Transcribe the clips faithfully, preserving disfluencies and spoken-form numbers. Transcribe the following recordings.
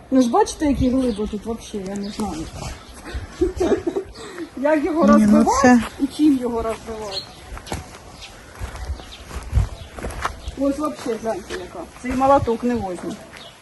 Ну ж бачите, які глиби тут взагалі, я не знаю. Як його розбивати ну це... і чим його розбивати. Ось взагалі, гляньте яка. Цей молоток не возьме.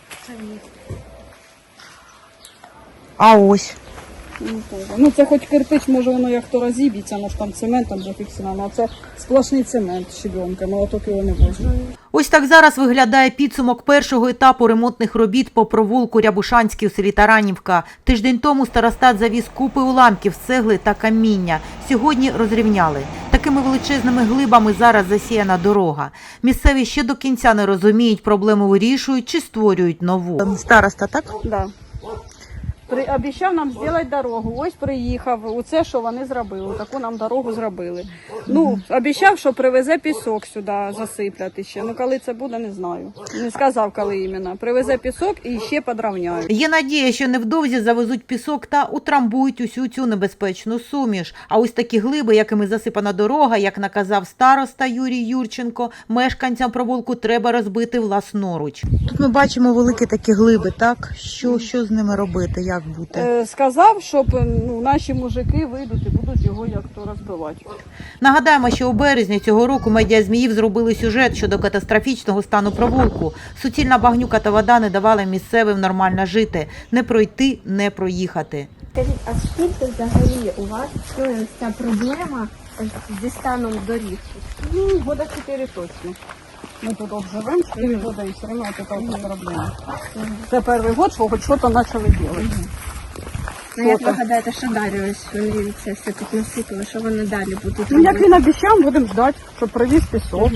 А ось. Ну, ну це хоч кирпич, може воно як то розіб'ється, може там цементом зафіксовано, а це сплошний цемент щебенка, молоток його не возьме. Ось так зараз виглядає підсумок першого етапу ремонтних робіт по провулку Рябушанський у селі Таранівка. Тиждень тому старостат завіз купи уламків з цегли та каміння. Сьогодні розрівняли. Такими величезними глибами зараз засіяна дорога. Місцеві ще до кінця не розуміють, проблему вирішують чи створюють нову. Староста, так? Да. При, обіцяв нам зробити дорогу, ось приїхав, оце, що вони зробили, таку нам дорогу зробили. Ну, обіцяв, що привезе пісок сюди засипляти ще, ну коли це буде, не знаю. Не сказав, коли іменно. Привезе пісок і ще підрівняють. Є надія, що невдовзі завезуть пісок та утрамбують усю цю небезпечну суміш. А ось такі глиби, якими засипана дорога, як наказав староста Юрій Юрченко, мешканцям провулку треба розбити власноруч. Тут ми бачимо великі такі глиби, так? Що, що з ними робити? Як бути? Е, сказав, щоб ну, наші мужики вийдуть і будуть його як то розбивати. Нагадаємо, що у березні цього року медіа Зміїв зробили сюжет щодо катастрофічного стану провулку. Суцільна багнюка та вода не давали місцевим нормально жити. Не пройти, не проїхати. Скажіть, а скільки взагалі у вас існує ця проблема зі станом доріг? Ну, года чотири точно. Ми тут живемо, чотири года і все одно це така проблема. Це перший год, що хоч щось почали робити. Ну, як ви гадаєте, що далі ось вони це все тут насипали, що вони далі будуть Ну, як робити? він обіцяв, будемо ждати, щоб привіз пісок.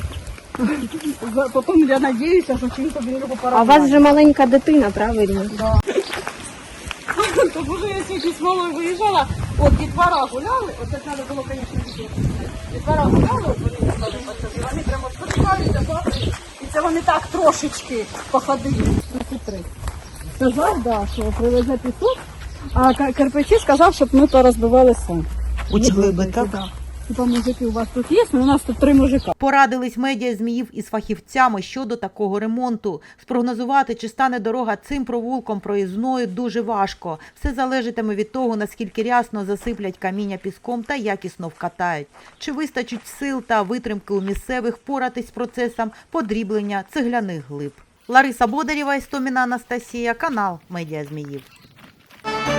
Потім я сподіваюся, що чим тобі його пора. А у вас вже маленька дитина, правильно? Да. То боже, я сьогодні з мамою виїжджала, от дітвора гуляли, от це треба було, звісно, дітей. Дітвора гуляли, от вони гуляли, і вони прямо спускаються, бачиш, і це вони так трошечки походили. Сказав, да, що привезе пісок, а кирпичі сказав, щоб ми то розбивали сам. Оці глиби, так? Типа, мужики у вас тут є, ну, у нас тут три мужика. Порадились медіа Зміїв із фахівцями щодо такого ремонту. Спрогнозувати, чи стане дорога цим провулком проїзною, дуже важко. Все залежатиме від того, наскільки рясно засиплять каміння піском та якісно вкатають. Чи вистачить сил та витримки у місцевих впоратись з процесом подріблення цегляних глиб. Лариса Бодарєва, Істоміна Анастасія, канал медіа Зміїв.